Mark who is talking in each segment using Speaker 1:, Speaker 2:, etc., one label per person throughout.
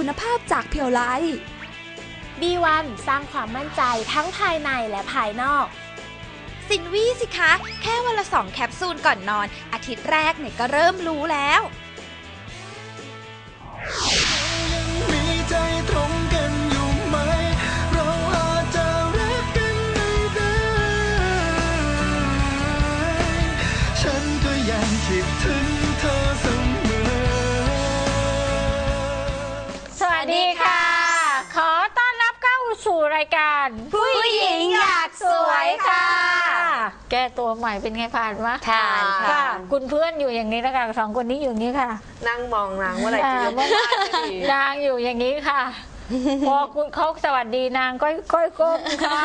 Speaker 1: คุณภาพจากเพียวไล
Speaker 2: B1 สร้างความมั่นใจทั้งภายในและภายนอก
Speaker 1: สินวี่สิคะ แค่วันละ2 แคปซูลก่อนนอน อาทิตย์แรกเนี่ยก็เริ่มรู้แล้ว
Speaker 3: มีใจตรงกันอยู่ไหมเราอาจจะรักกันได้ฉันก็ยังคิดถึงเธอเสมอ
Speaker 2: สวัสดีค่ะ ขอต้อนรับเข้าสู่รายการผู้หญิงอยากสวยค่ะ แก้ตัวใหม่เป็นไงผ่านมะ
Speaker 4: ผ่านค่ะ
Speaker 2: คุณเพื่อนอยู่อย่างนี้นะคะสองคนนี้อยู่อย่างนี้ค่ะ
Speaker 4: นั่งมองนางว่าอะไรจะยกบ้านจะดี
Speaker 2: นางอยู่อย่างนี้ค่ะ พอคุณเขาสวัสดีนางก็ก้มค่ะ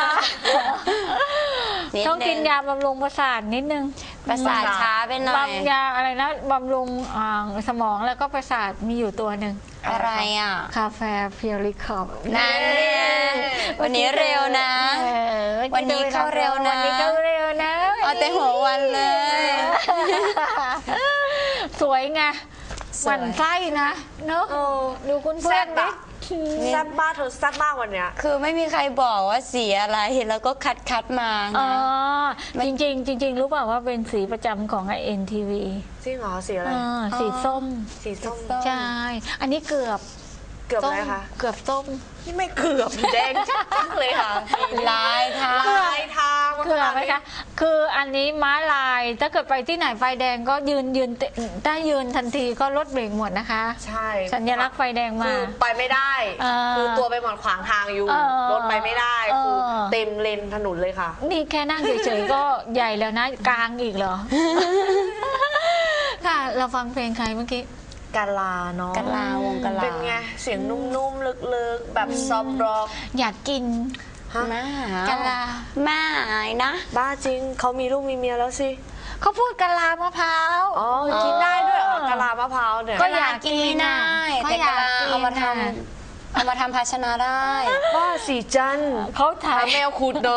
Speaker 2: ต้องกินยาบำรุงประสาทนิดนึง
Speaker 4: ประสาทช้าไปหน่อย
Speaker 2: บำยาอะไรนะบำรุงสมองแล้วก็ประสาทมีอยู่ตัวหนึ่ง
Speaker 4: อะไรอ่ะ
Speaker 2: คาเฟ่เพียริคอบ
Speaker 4: นั่นเนี่ยวันนี้เร็วนะ วันนี้เข้าเร็วนะ
Speaker 2: วันนี้เข้าเร็วนะ
Speaker 4: เอาแต่หัววันเลย
Speaker 2: สวยไงหมั่นไส้นะเนอะดูคุณเพื่อนดิ
Speaker 5: แซ่บมากเธอแซ่บมากวันเนี้ย
Speaker 4: คือไม่มีใครบอกว่าสีอะไรแล้วก็คัดมา
Speaker 2: อ๋อ
Speaker 4: นะ
Speaker 2: จริงรู้เปล่าว่าเป็นสีประจำของ NTV
Speaker 5: จริงเหรอสีอะไร
Speaker 2: สีส้ม
Speaker 5: สีส้ม
Speaker 2: ใช่ อันนี้เกือบ
Speaker 5: เกือบอะไรคะ
Speaker 2: เกือบส้ม
Speaker 5: นี่ไม่เกือบแดงชัดเลยค่ะ
Speaker 4: ลายทาง
Speaker 5: ลายทาง
Speaker 2: เกือบไหมคะ คืออันนี้ม้าลาย ถ้าเกิดไปที่ไหนไฟแดงก็ยืนถ้ายืนทันทีก็รถเบรกหมดนะคะ
Speaker 5: ใช่
Speaker 2: สัญลักษณ์ไฟแดงมา
Speaker 5: คือไปไม่ได้ คือตัวไปหมดขวางทางอยู่ รถไปไม่ได้ คือเต็มเลนถนนเลยค่ะ
Speaker 2: นี่แค่นั่งเฉยๆก็ใหญ่แล้วนะ กลางอีกเหรอ ค่ะ เราฟังเพลงใครเมื่อกี้
Speaker 5: กาลาเนาะ
Speaker 4: กะลาวงกะลา
Speaker 5: เป็นไง เสียงนุ่มๆ ลึกๆ แบบซอฟต์ร็อก
Speaker 2: อยากกิน
Speaker 4: มาก
Speaker 2: ะลา
Speaker 4: มาหายนะ
Speaker 5: บ้าจริง เขามีลูกมีเมียแล้วสิ
Speaker 2: เขาพูดกะลามะพร้าว
Speaker 5: อ๋อ กินได้ด้วยเหรอกะลามะพร้าวเนี่ย
Speaker 2: ก็
Speaker 4: อยากกินไม่ได้
Speaker 2: ก็
Speaker 4: แต่
Speaker 2: อยาก
Speaker 4: กะลา
Speaker 2: กิน
Speaker 4: เอามาท
Speaker 2: น่ะ
Speaker 4: ำเอามาทำภาชนะได้
Speaker 5: บ้าสีจัน
Speaker 2: เขาถ่า
Speaker 5: หาย แมวขุดเลย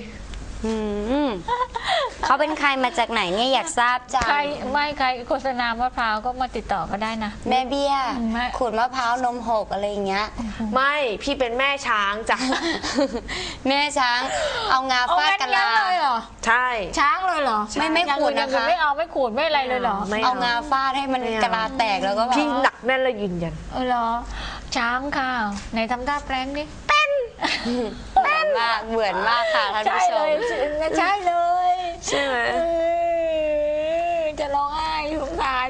Speaker 4: เขาเป็นใครมาจากไหนเนี่ยอยากทราบจัง
Speaker 2: ใครโฆษณามะพร้าวก็มาติดต่อก็ได้นะ
Speaker 4: แม่เบี้ย
Speaker 2: แม่
Speaker 4: ขูดมะพร้าวนมหกอะไรอย่างเงี้ย
Speaker 5: ไม่พี่เป็นแม่ช้างจ้ะ
Speaker 4: แม่ช้างเอางาฟาดกะลา
Speaker 2: เลยเหรอ
Speaker 5: ใช่
Speaker 2: ช้างเลยเหรอ
Speaker 4: ไม่ขูดนะคะ
Speaker 2: อย่างอื่ไม่เอาไม่ขูดไม่อะไรเลยเหรอ
Speaker 5: ไม่
Speaker 4: เอางาฟาดให้มันกะลาแตกแล้วก็แบบ
Speaker 5: พี่หนักแน่นและยืนยัน
Speaker 2: เหรอ ช้างค่ะไหนทำท่าแปลงดิ
Speaker 4: เหมือนมากเหมือนมากค่ะท่าน
Speaker 2: ใช่
Speaker 4: ผู้ช
Speaker 2: เล
Speaker 4: ม
Speaker 2: ยใช่เลย
Speaker 5: ใช่ไหม
Speaker 2: จะร้องไห้สงสาร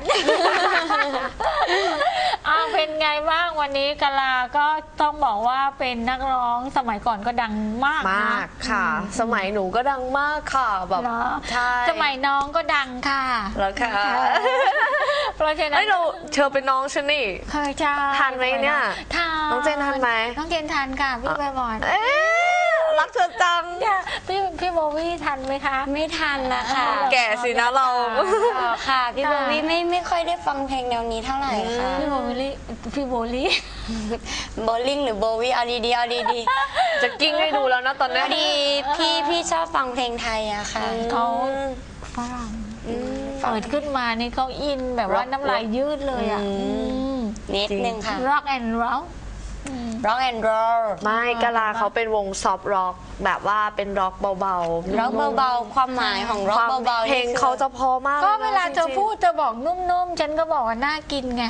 Speaker 2: อ้าวเป็นไงบ้างวันนี้กะลาก็ต้องบอกว่าเป็นนักร้องสมัยก่อนก็ดังมากนะ
Speaker 5: มากค่ะ สมัยหนูก็ดังมากค่ะแบบ
Speaker 2: เหรอ
Speaker 5: ใช่
Speaker 2: สมัยน้องก็ดังค่ะ
Speaker 5: แล้วค่ะ
Speaker 2: เพราะฉะนั้
Speaker 5: เฮ้
Speaker 2: น
Speaker 5: ยเราเธอเป็นน้องฉันนี่
Speaker 2: เคยใช่
Speaker 5: ทันไหมเนี่ย
Speaker 2: ทัน
Speaker 5: น้องเจนทันไหม
Speaker 2: น้องเจนทันค่ะพี่ใบบอล
Speaker 5: เอ๊ะรักเธอจัง
Speaker 2: พี่โบวี่ทันไหมคะ
Speaker 4: ไม่ทันละค่ะ
Speaker 5: แก่สินะเรา
Speaker 4: อ๋อค่ะ พี่โบวี่ไม่ค่อยได้ฟังเพลงแนวนี้เท่าไหร่ค่ะ
Speaker 2: พี่โบลี่
Speaker 4: โบลิ่งหรือโบวี่เอาดีๆเอาดี
Speaker 5: จะกิ้งให้ดูแล้วนะตอน
Speaker 4: ๆ
Speaker 5: นี้
Speaker 4: พอดีพี่ชอบฟังเพลงไทยอะค่ะ
Speaker 2: เขาฝรั่งเปิดขึ้นมานี่เขาอินแบบว่าน้ำลายยืดเลยอ่ะ
Speaker 4: นิดนึงค่ะ
Speaker 2: rock and roll
Speaker 4: rock and roll
Speaker 5: ไม่กะลาเขาเป็นวงซอฟต์ร็อกแบบว่าเป็นร็อกเบาๆ
Speaker 4: ร็อกเบาๆความหมายของร็อก
Speaker 5: ความ
Speaker 4: เบาๆ
Speaker 5: เพลงเขาจะพอมาก
Speaker 2: ก็
Speaker 5: ยนะ
Speaker 2: เวลาเธอ
Speaker 5: จริงๆ
Speaker 2: พูดเธอบอกนุ่มๆ ฉันก็บอกว่าน่ากินไง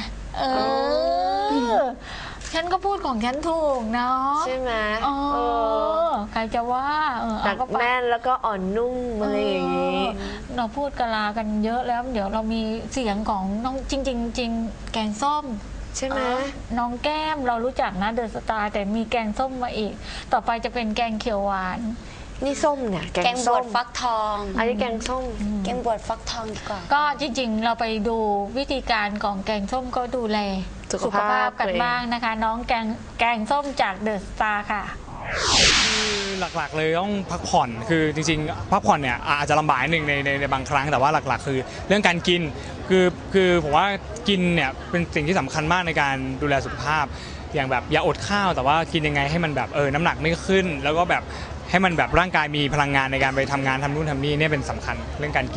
Speaker 2: ฉันก็พูดของฉันถูกเนาะ
Speaker 5: ใช่ไหม
Speaker 2: อ๋อ
Speaker 5: เออ
Speaker 2: ใครจะว่า
Speaker 5: หนัก
Speaker 2: เอาก็ไป
Speaker 5: แน่นแล้วก็อ่อนนุ่มอะไรอย่างนี้
Speaker 2: เราพูดกะลากันเยอะแล้ว เดี๋ยวเรามีเสียงของน้องจริงแกงส้ม
Speaker 5: ใช่ไหม
Speaker 2: น้องแก้มเรารู้จักนะเดอะสตาร์แต่มีแกงส้มมาอีก ต่อไปจะเป็นแกงเขียวหวาน
Speaker 5: นี่ส้มเนี่ยแก
Speaker 4: แก
Speaker 5: ง
Speaker 4: งบ
Speaker 5: ส้
Speaker 4: ว
Speaker 5: ม
Speaker 4: ชฟักทอง
Speaker 5: อันนี้แกงส้ม
Speaker 4: แกงบวชฟักทองดีกว่า
Speaker 2: ก็จริงๆ เราไปดูวิธีการของแกงส้มก็ดูแล
Speaker 5: สุขภาพ
Speaker 2: กัน
Speaker 5: ตัวเอง
Speaker 2: บ้างนะคะ น้องแกงส้มจากเดอะสตาร์ค่ะ
Speaker 6: คือหลักๆเลยต้องพักผ่อนคือจริงๆพักผ่อนเนี่ยอาจจะลำบากนิดนึงในบางครั้งแต่ว่าหลักๆ คือเรื่องการกินคือผมว่ากินเนี่ยเป็นสิ่งที่สำคัญมากในการดูแลสุขภาพอย่างแบบอย่าอดข้าวแต่ว่ากินยังไงให้มันแบบน้ำหนักไม่ขึ้น แล้วก็แบบให้มันแบบร่างกายมีพลังงานในการไปทำงานทำนู่นทำนี่เนี่ยเป็นสำคัญเรื่องการกิน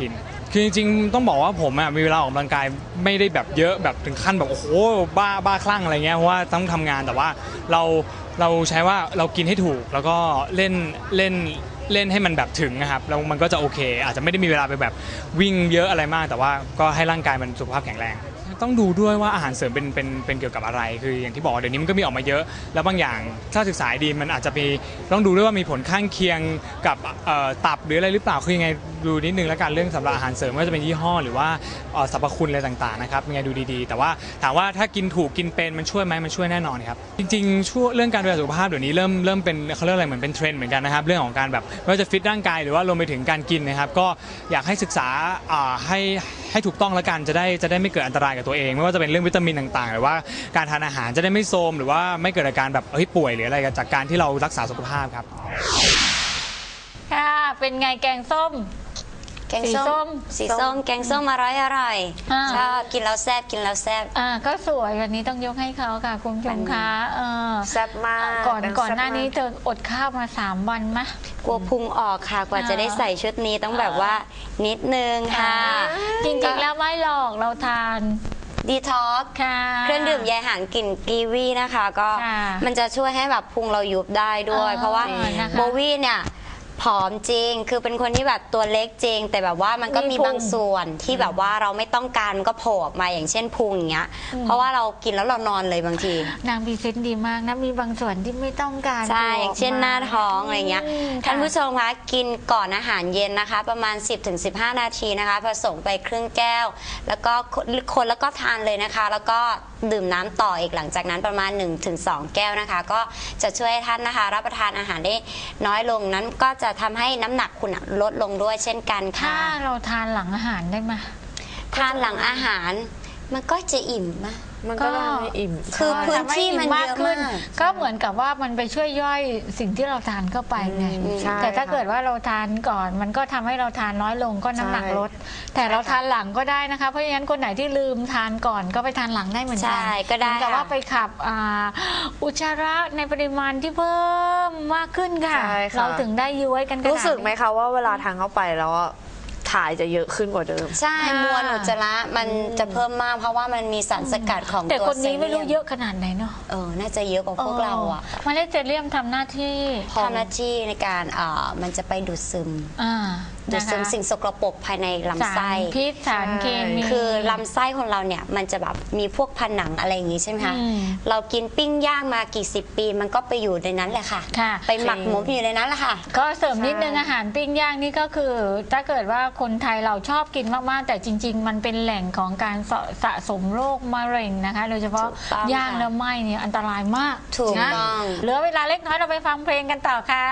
Speaker 6: คือจริงๆต้องบอกว่าผมมีเวลาออกกำลังกายไม่ได้แบบเยอะแบบถึงขั้นแบบโอ้โหบ้าคลั่งอะไรเงี้ยเพราะว่าต้องทำงานแต่ว่าเราใช้ว่าเรากินให้ถูกแล้วก็เล่นให้มันแบบถึงนะครับแล้วมันก็จะโอเค อาจจะไม่ได้มีเวลาไปแบบวิ่งเยอะอะไรมาก แต่ว่าก็ให้ร่างกายมันสุขภาพแข็งแรงต้องดูด้วยว่าอาหารเสริมเป็นเกี่ยวกับอะไรคืออย่างที่บอกเดี๋ยวนี้มันก็มีออกมาเยอะแล้วบางอย่างถ้าศึกษาดีมันอาจจะมีต้องดูด้วยว่ามีผลข้างเคียงกับตับหรืออะไรหรือเปล่าคือยังไงดูนิดนึงแล้วกันเรื่องสำหรับอาหารเสริมว่าจะเป็นยี่ห้อหรือว่าสรรพคุณอะไรต่างๆนะครับยังไงดูดีๆแต่ว่าถามว่าถ้ากินถูกกินเป็นมันช่วยไหมมันช่วยแน่นอนครับจริงๆช่วงเรื่องการดูแลสุขภาพเดี๋ยวนี้เริ่มเป็นเขาเรียกอะไรเหมือนเป็นเทรนด์เหมือนกันนะครับเรื่องของการแบบไม่ว่าจะฟิตร่างกายหรือว่ารวมไปถึงการกินนะครับก็อยากให้ศึกษาให้ถูกต้องแล้วกันจะได้ไม่เกิดอันตรายกับตัวเองไม่ว่าจะเป็นเรื่องวิตามินต่างๆหรือว่าการทานอาหารจะได้ไม่โทรมหรือว่าไม่เกิดอาการแบบป่วยหรืออะไรจากการที่เรารักษาสุขภาพครับ
Speaker 2: ค่ะเป็นไงแกงส้ม
Speaker 4: แกงส้มสีส้มแกงส้มอร่อยชอบกินแล้วแซ่บ
Speaker 2: ก็สวยแบบนี้ต้องยกให้เขาค่ะคุณผู้ชมคะ
Speaker 5: แซ่บมาก
Speaker 2: ก่อนหน้านี้เธออดข้าวมา3 วันมะ
Speaker 4: กลัวพุงออกค่ะกว่าจะได้ใส่ชุดนี้ต้องแบบว่านิดนึงค่ะ
Speaker 2: จริงๆแล้วไม่หรอกเราทาน
Speaker 4: ดีท็อกซ์เครื่องดื่มใยอาหารกลิ่นกีวีนะคะก็มันจะช่วยให้แบบพุงเรายุบได้ด้วยเพราะว่าโบวี่เนี่ยผอมจริงคือเป็นคนที่แบบตัวเล็กจริงแต่แบบว่ามันก็มีบางส่วนที่แบบว่าเราไม่ต้องการมันก็โผล่ออกมาอย่างเช่นพุงอย่างเงี้ยเพราะว่าเรากินแล้วเรานอนเลยบางที
Speaker 2: นางพรีเซนต์ดีมากนะมีบางส่วนที่ไม่ต้องการ
Speaker 4: ใช่อย่างเช่นหน้าท้องอะไรเงี้ยท่านผู้ชมคะกินก่อนอาหารเย็นนะคะประมาณ 10-15 นาทีนะคะผสมไปครึ่งแก้วแล้วก็คนแล้วก็ทานเลยนะคะแล้วก็ดื่มน้ำต่ออีกหลังจากนั้นประมาณ 1-2 แก้วนะคะก็จะช่วยให้ท่านนะคะรับประทานอาหารได้น้อยลงนั้นก็จะทำให้น้ำหนักคุณลดลงด้วยเช่นกันค่ะ
Speaker 2: ถ้าเราทานหลังอาหารได้ไหม
Speaker 4: ทานหลังอาหารมันก็จะอิ่มมะ
Speaker 5: มันก็ไม่อิ่ม
Speaker 4: คือพื้นที่มันเยอะมาก
Speaker 2: ก็เหมือนกับว่ามันไปช่วยย่อยสิ่งที่เราทานเข้าไปไงแต่ถ้าเกิดว่าเราทานก่อนมันก็ทำให้เราทานน้อยลงก็น้ำหนักลดแต่เราทานหลังก็ได้นะคะเพราะฉะนั้นคนไหนที่ลืมทานก่อนก็ไปทานหลังได้เหมือนกัน
Speaker 4: ก็ได้
Speaker 2: แต่ว่าไปขับอุจจาระในปริมาณที่เพิ่มมากขึ้นค่ะเราถึงได้ย้วยกัน
Speaker 5: รู้สึกไหมคะว่าเวลาทานเข้าไปแล้วถ่ายจะเยอะขึ้นกว่าเดิม
Speaker 4: ใช่มวลอุจจาระมันจะเพิ่มมากเพราะว่ามันมีสารสกัดของตัว
Speaker 2: แต่คนนี้ไม่รู้เยอะขนาดไหนเนาะ
Speaker 4: น่าจะเยอะกว่าพวกเราอ่ะ
Speaker 2: มันได้เจเลียมทำหน้าที่
Speaker 4: ในการมันจะไปดูดซึมสิ่งสกปรกภายในลำไส้
Speaker 2: พิษสารเคมี
Speaker 4: คือลำไส้ของเราเนี่ยมันจะแบบมีพวกผนังอะไรอย่างงี้ใช่ไหมคะเรากินปิ้งย่างมากี่10 ปีมันก็ไปอยู่ในนั้นแหละค่ะไปหมักหมมอยู่ในนั้นแหละค่ะ
Speaker 2: ก็เสริมนิดนึงอาหารปิ้งย่างนี่ก็คือถ้าเกิดว่าคนไทยเราชอบกินมากๆแต่จริงๆมันเป็นแหล่งของการสะสมโรคมะเร็งนะคะโดยเฉพาะย่างแล้วไหม้เนี่ยอันตรายมาก
Speaker 4: ถูกต้อง
Speaker 2: เหลือเวลาเล็กน้อยเราไปฟังเพลงกันต่อค่ะ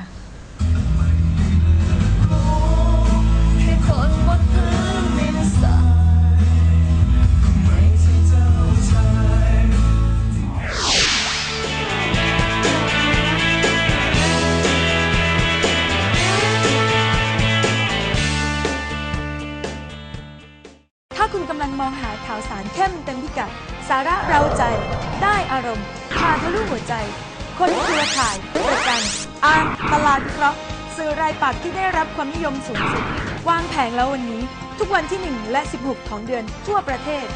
Speaker 7: ถ้าคุณกำลังมองหาข่าวสารเข้มเต็มพิกัดสาระเร้าใจได้อารมณ์ผ่านทะลุหัวใจคนเครือข่ายประกันตลาดวิเคราะห์สื่อรายปักษ์ที่ได้รับความนิยมสูงสุดวางแผงแล้ววันนี้ทุกวันที่1และ16ของเดือนทั่วประเทศ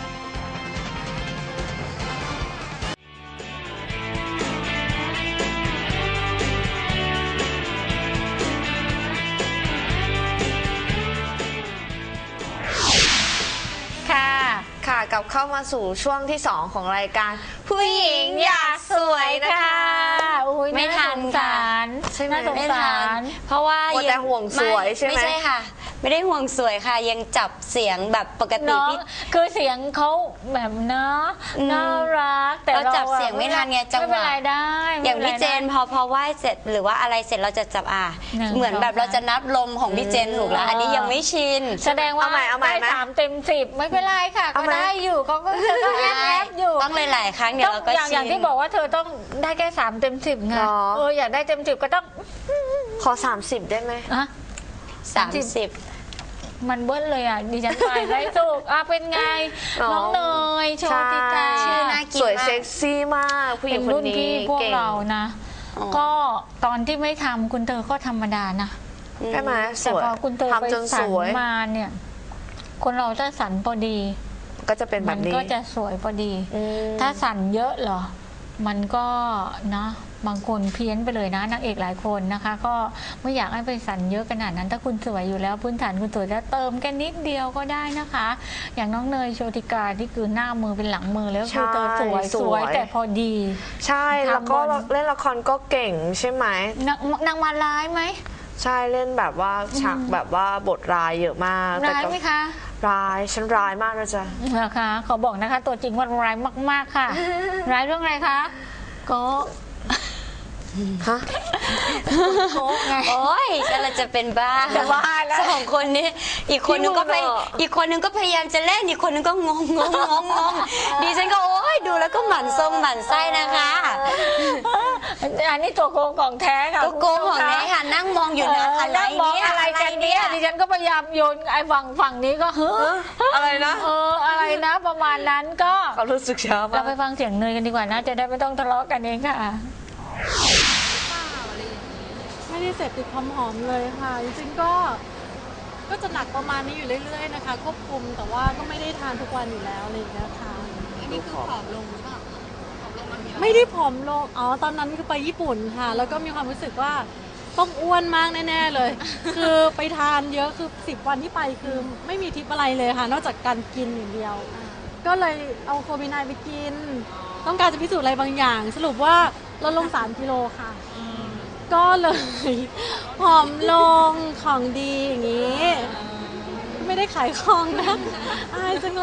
Speaker 5: กลับเข้ามาสู่ช่วงที่2ของรายการผู้หญิงอยากสวยนะคะ
Speaker 4: ไม่ทันค่ะ
Speaker 2: ใช่ไหมไม่ทัน
Speaker 4: เพราะว่า
Speaker 5: แต่ห่วงสวยใช่ไหม
Speaker 4: ไม่ใช่ค่ะไม่ได้ห่วงสวยค่ะยังจับเสียงแบบปกติ
Speaker 2: คือเสียงเขาแบบน่ารักแต่
Speaker 4: เราจับเสียงไม่ทันไงจังหวะ
Speaker 2: ไม่เป็นไรได้
Speaker 4: อย่างพี่เจนพอไหว้เสร็จหรือว่าอะไรเสร็จเราจะจับเหมือนแบบเราจะนับลมของพี่เจนถูกแล้วอันนี้ยังไม่ชิน
Speaker 2: แสดงว่าได้3 เต็ม 10ไม่เป็นไรค่ะก็ได้อยู่เขาก็แอบอยู่
Speaker 4: ต้องหลายๆครั้งเดี๋ยวเราก็ชิน
Speaker 2: อย่างที่บอกว่าเธอต้องได้แค่3 เต็ม 10ไงอยากได้เต็ม 10ก็ต้อง
Speaker 5: ขอ30ได้ไหม
Speaker 4: 30
Speaker 2: มันเบิ้ลเลยดิฉันไปได้ถูกเป็นไงน้องเนยโชติกา
Speaker 4: ชื่อน่ากิน
Speaker 5: สวยเซ็กซี่มากผู้หญิงคนนี้
Speaker 2: พวกเรานะก็ตอนที่ไม่ทำคุณเธอก็ธรรมดานะ
Speaker 5: ใช่ไหม
Speaker 2: แต่พอคุณเธอไปสันมาเนี่ยคนเราถ้าสันพอดี
Speaker 5: ก็จะเป็นแบ
Speaker 2: มั
Speaker 5: บนี้
Speaker 2: ก็จะสวยพอดี
Speaker 5: อืม
Speaker 2: ถ้าสันเยอะเหรอมันก็นะบางคนเพี้ยนไปเลยนะนางเอกหลายคนนะคะ ก็ไม่อยากให้ไปสันเยอะขนาดนั้นถ้าคุณสวยอยู่แล้วพื้นฐานคุณสวยแล้วเติมแค่นิดเดียวก็ได้นะคะ อย่างน้องเนยโชติกาที่คือหน้ามือเป็นหลังมือแล้วคือเธอสวยแต่พอดี
Speaker 5: ใช่แล้วก็เล่นละครก็เก่งใช่ไหม
Speaker 2: นางมาร้ายไหม
Speaker 5: ใช่เล่นแบบว่าฉากแบบว่าบทร้ายเยอะมาก
Speaker 2: ร้ายไหมคะ
Speaker 5: ร้ายฉันร้ายมากนะจ๊ะ
Speaker 2: นะคะขอบอกนะคะตัวจริงว่าร้ายมากๆค่ะ ร้ายเรื่องอะไรคะก็
Speaker 5: ฮะ
Speaker 2: โก๊ไง
Speaker 4: โอ้ยกำลังจะเป็นบ้า
Speaker 2: จะบ้าแล้ว
Speaker 4: สองคนนี้อีกคนนึงก็พย
Speaker 5: พี่มุกเหรอ
Speaker 4: อีกคนนึงก็พยายามจะเล่นอีกคนนึงก็งงดิฉันก็โอ้ยดูแล้วก็หมั่นทรงหมั่นไส้นะคะ
Speaker 2: อันนี้ตัวโกงของแท้ค่ะ
Speaker 4: ก็โกงของแท้ค่ะนั่งมองอยู่นะอะไร
Speaker 2: นั่งมอง
Speaker 4: เนี่ย
Speaker 2: อะไรกันเนี่ยดิฉันก็พยายามโยนไอ้ฝั่งนี้ก็เฮ้อ
Speaker 5: อะไรนะ
Speaker 2: อะไรนะประมาณนั้นก็
Speaker 5: เขารู้สึกช้า
Speaker 2: เรา
Speaker 5: มาก
Speaker 2: ไปฟังเสียงเนยกันดีกว่านะจะได้ไม่ต้องทะเลาะกันเองค่ะ
Speaker 8: ไม่ได้เสพติดความหอมเลยค่ะ จริงๆก็จะหนักประมาณนี้อยู่เรื่อยๆนะคะ ควบคุมแต่ว่าก็ไม่ได้ทานทุกวันอยู่แล้วอะไรอย่างเงี้ยค่ะอันนี้คือผอมลงหรือเปล่าไม่ได้ผอมลงอ๋อตอนนั้นคือไปญี่ปุ่นค่ะ แล้วก็มีความรู้สึกว่าต้องอ้วนมากแน่ๆเลย คือไปทานเยอะคือ10 วันที่ไปคือไม่มีทิปอะไรเลยค่ะ นอกจากการกินอย่างเดียว ก็เลยเอาโคบินายไปกิน ต้องการจะพิสูจน์อะไรบางอย่าง สรุปว่าลดลง3 กิโลค่ะ ก็เลยผอมลงของดีอย่างนี้ ไม่ได้ขายของนะอายจังเลย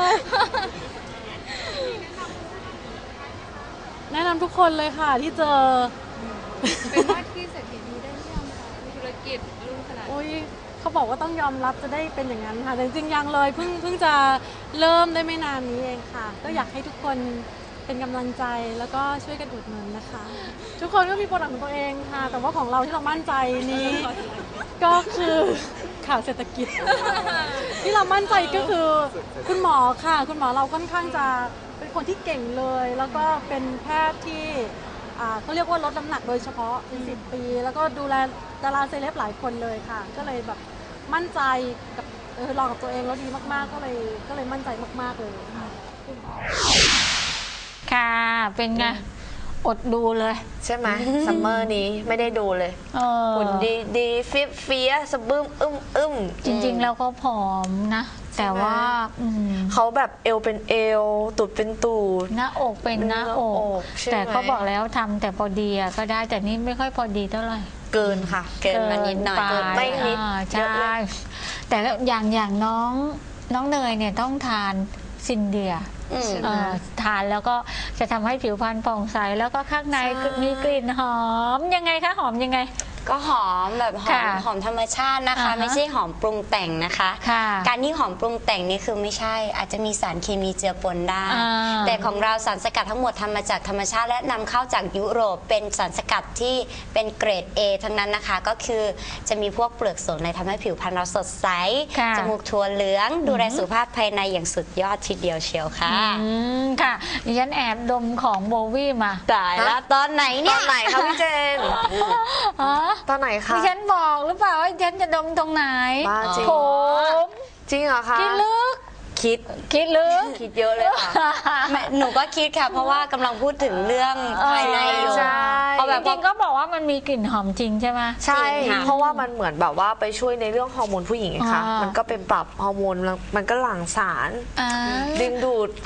Speaker 8: แนะนำทุกคนเลยค่ะที่เจอ
Speaker 9: เป็นว่าที่เศรษฐีนีได้หรือยังคะมีธุรกิจรุ่งขนาดนี้
Speaker 8: โอ้ยเขาบอกว่าต้องยอมรับจะได้เป็นอย่างนั้นค่ะแต่จริงๆยังเลยเพิ่งจะเริ่มได้ไม่นานนี้เองค่ะ ก็อยากให้ทุกคนเป็นกำลังใจแล้วก็ช่วยกันอุดหนุนนะคะ ทุกคนก็มีโปรดักต์ของตัวเองค่ะ แต่ว่าของเราที่เรามั่นใจนี้ ก็คือข่าวเศรษฐกิจ ที่เรามั่นใจก็คือคุณหมอค่ะ คุณหมอเราค่อนข้างจะเป็นคนที่เก่งเลย แล้วก็เป็นแพทย์ที่เขาเรียกว่าลดน้ำหนักโดยเฉพาะเป็น10 ปี แล้วก็ดูแลดาราเซเลบหลายคนเลยค่ะ ก็เลยแบบมั่นใจกับลองกับตัวเองแล้วดีมากๆ ก็เลยมั่นใจมากๆเลยค่ะ
Speaker 2: ค่ะเป็นไงอดดูเลย
Speaker 5: ใช่ไหมซัมเมอร์นี้ไม่ได้ดูเลยหุ่นดีเฟี้ยสะบึ้มอึ้ม
Speaker 2: จริงๆแล้วก็ผอมนะ แต่ว่า
Speaker 5: เขาแบบเอวเป็นเอวตูดเป็นตูด
Speaker 2: หน้าอกเป็นหน้าอกแต่เขาบอกแล้วทำแต่พอดีก็ได้แต่นี่ไม่ค่อยพอดีเท่าไหร่
Speaker 5: เกินค่ะ
Speaker 4: เกินมานิดหน่อย
Speaker 2: เกินไป
Speaker 5: ไม่นิด
Speaker 2: ใช่แต่อย่างน้องเนยเนี่ยต้องทานซินเดียทานแล้วก็จะทำให้ผิวพรรณผ่องใสแล้วก็ข้างในมีกลิ่นหอมยังไงคะหอมยังไง
Speaker 4: ก็หอมแบบหอมธรรมชาตินะคะ ไม่ใช่หอมปรุงแต่งนะคะ การที่หอมปรุงแต่งนี่คือไม่ใช่อาจจะมีสารเคมีเจือปนได้ แต่ของเราสารสกัดทั้งหมดทำมาจากธรรมชาติและนำเข้าจากยุโรปเป็นสารสกัดที่เป็นเกรด A ทั้งนั้นนะคะก็คือจะมีพวกเปลือกสนในทำให้ผิวพรรณเราสดใสจมูกถั่วเหลืองดูแลสุขภาพภายในอย่างสุดยอดทีเดียวเชียวค่ะ
Speaker 2: ค่ะดิฉันแอบดมของโบวี่มา
Speaker 4: ตายแล้วตอนไหนเนี่ย
Speaker 5: ตอนไหนคะพี่เจนตอนไหนคะ
Speaker 2: ดิฉันบอกหรือเปล่าว่าดิฉันจะดมตรงไหน
Speaker 5: บ้าจริง
Speaker 2: ผม
Speaker 5: จริงเหรอคะ
Speaker 2: คิดลึก
Speaker 5: คิด
Speaker 2: ลึก
Speaker 5: คิดเยอะเลยค่ะ
Speaker 4: หนูก็คิดค่ะเพราะว่ากำลังพูดถึงเรื่องภายในอยู่
Speaker 5: ใช่
Speaker 4: เอาแบบ
Speaker 2: จริงๆก็บอกว่ามันมีกลิ่นหอมจริงใช่ไหม
Speaker 5: ใช่เพราะว่ามันเหมือนแบบว่าไปช่วยในเรื่องฮอร์โมนผู้หญิงไงคะมันก็ไปปรับฮอร์โมนมันก็หลั่งสารดึงดูด